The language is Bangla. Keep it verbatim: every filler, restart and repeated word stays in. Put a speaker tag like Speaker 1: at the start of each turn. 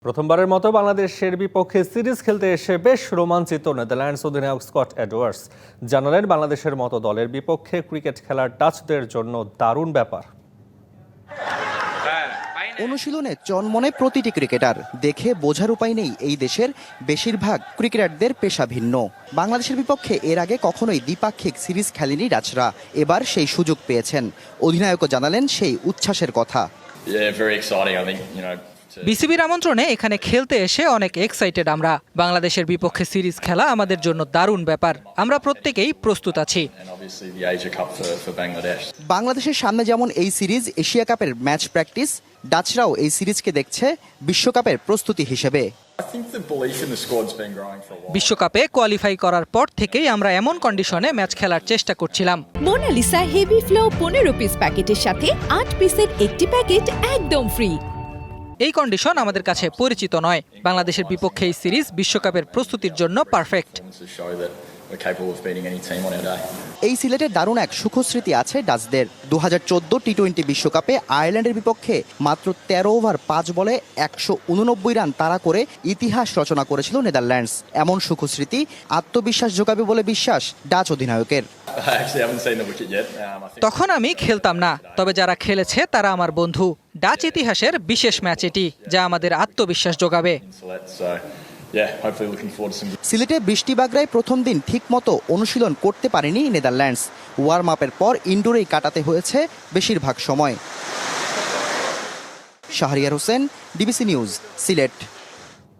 Speaker 1: প্রথমবারের মতো বাংলাদেশের বিপক্ষে সিরিজ খেলতে এসে বেশ রোমাঞ্চিত নেদারল্যান্ডস অধিনায়ক স্কট এডওয়ার্ডস। জানালেন বাংলাদেশের মতো দলের বিপক্ষে ক্রিকেট খেলার ডাচদের জন্য দারুণ ব্যাপার।
Speaker 2: অনুশীলনে চনমনে প্রতিটি ক্রিকেটার দেখে বোঝার উপায় নেই এই দেশের বেশিরভাগ ক্রিকেটারদের পেশা ভিন্ন। বাংলাদেশের বিপক্ষে এর আগে কখনোই দ্বিপাক্ষিক সিরিজ খেলেনি ডাচরা, এবার সেই সুযোগ পেয়েছেন। অধিনায়কও জানালেন সেই উচ্ছ্বাসের কথা।
Speaker 3: বিসিবির আমন্ত্রণে এখানে খেলতে এসে অনেক এক্সাইটেড আমরা। বাংলাদেশের বিপক্ষে সিরিজ খেলা আমাদের জন্য দারুণ ব্যাপার। আমরা প্রত্যেকেই প্রস্তুত আছি।
Speaker 2: বাংলাদেশের সামনে যেমন এই সিরিজ এশিয়া কাপের ম্যাচ প্র্যাকটিস, ডাচরাও এই সিরিজকে দেখছে বিশ্বকাপের প্রস্তুতি হিসেবে।
Speaker 3: বিশ্বকাপে কোয়ালিফাই করার পর থেকেই আমরা এমন কন্ডিশনে ম্যাচ খেলার চেষ্টা করছিলাম।
Speaker 4: মোনালিসা হেভি ফ্লো পনেরো পিস প্যাকেটের সাথে আট পিসের একটি প্যাকেট একদম ফ্রি।
Speaker 3: এই কন্ডিশন আমাদের কাছে পরিচিত নয়। বাংলাদেশের বিপক্ষে এই সিরিজ বিশ্বকাপের প্রস্তুতির জন্য পারফেক্ট।
Speaker 2: এই সিলেটের দারুণ এক সুখস্মৃতি আছে ডাচদের। দু হাজার চোদ্দ টি টোয়েন্টি বিশ্বকাপে আয়ারল্যান্ডের বিপক্ষে মাত্র তেরো ওভার পাঁচ বলে একশো উননব্বই রান তাড়া করে ইতিহাস রচনা করেছিল নেদারল্যান্ডস। এমন সুখস্মৃতি আত্মবিশ্বাস যোগাবে বলে বিশ্বাস ডাচ অধিনায়কের।
Speaker 3: তখন আমি খেলতাম না, তবে যারা খেলেছে তারা আমার বন্ধু। ডাচ ইতিহাসের বিশেষ ম্যাচ এটি, যা আমাদের আত্মবিশ্বাস যোগাবে।
Speaker 2: সিলেটে বৃষ্টিবাগড়ায় প্রথম দিন ঠিকমতো অনুশীলন করতে পারেনি নেদারল্যান্ডস। ওয়ার্ম আপের পর ইনডোরেই কাটাতে হয়েছে বেশিরভাগ সময়। Shahriar Hossain, DBC news, Sylhet.